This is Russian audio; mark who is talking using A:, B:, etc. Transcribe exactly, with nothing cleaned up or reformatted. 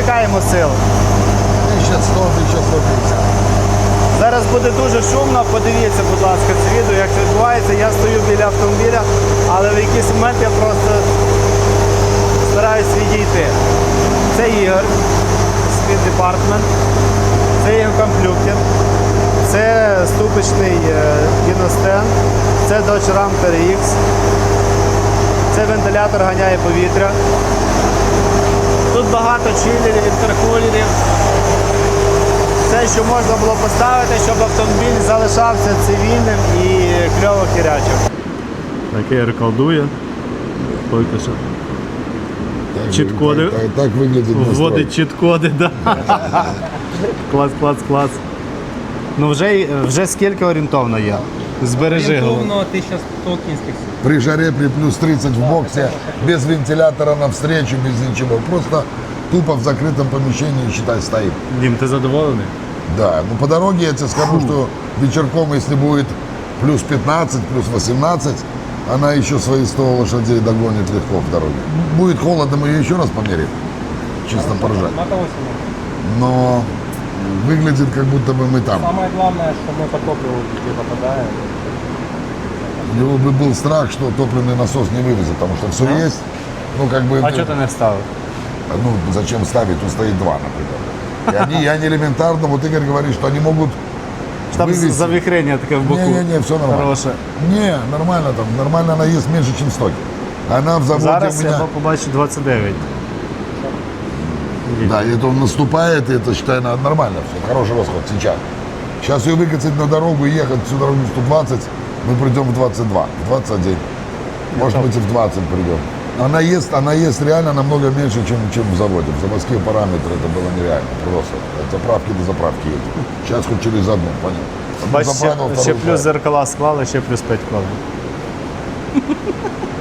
A: чекаємо сил.
B: тисяча сто - тисяча сто п'ятдесят.
A: Зараз буде дуже шумно, подивіться, будь ласка, це відео, як це відбувається. Я стою біля автомобіля, але в якийсь момент я просто стараюсь відійти. Це Ігор, Speed Department, це його комплюктор, це ступичний кіностенд, це Dodge Ram Т Р Ікс, це вентилятор ганяє повітря. Тут багато чилерів, інтеркулерів. Все, що можна було поставити, щоб автомобіль залишався цивільним і кльово хірячив. Так Ігор колдує. Тільки що. Чіт-коди.
B: Так, так, так выглядит настрой.
A: Вводить чіт-коди, да. Клас, клас, клас. Ну вже, вже скільки орієнтовно є? Збережи голову.
C: Орієнтовно тисяча сто кінських сил.
B: При жаре, при плюс тридцать в боксе, без вентилятора навстречу, без ничего. Просто тупо в закрытом помещении, считай, стоит.
A: Дім, ти задоволений?
B: Да, ну по дороге я тебе скажу, что вечерком, если будет плюс пятнадцать, плюс восемнадцать, она еще свои сто лошадей догонит легко в дороге. Будет холодно, мы ее еще раз померим, чисто поржать.
C: На того сильно.
B: Но выглядит, как будто бы мы там.
C: Самое главное, что мы по топливу везде попадаем.
B: У него бы был страх, что топливный насос не вывезет, потому что все
A: Да?
B: есть. Ну, как бы,
A: А чого ти не вставив?
B: ну, зачем ставить, тут стоит два, например. И они, и они элементарно, вот Игорь говорит, что они могут
A: Там
B: вывести.
A: завихрення таке в боку.
B: Не-не-не, все нормально.
A: Хороше.
B: Не, нормально там, нормально она ест меньше, чем стоки. Она в заводе
A: Зараз
B: у меня...
A: я побачу двадцять дев'ять.
B: Да, и это он наступает, и это, считай, на- нормально все, хороший расход сейчас. Сейчас ее выкатить на дорогу и ехать всю дорогу сто двадцать, мы придем в двадцать два, в двадцать один. Может быть, и в двадцать придем. Она ест, она ест реально намного меньше, чем, чем в заводе. В заводские параметры это было нереально. Просто от заправки до заправки едет. Сейчас хоть через одну, понял? Одну
A: Бачиш, ще,
B: заправил,
A: ще
B: вторую
A: плюс
B: ставил.
A: зеркала склали, ще плюс п'ять вкладено.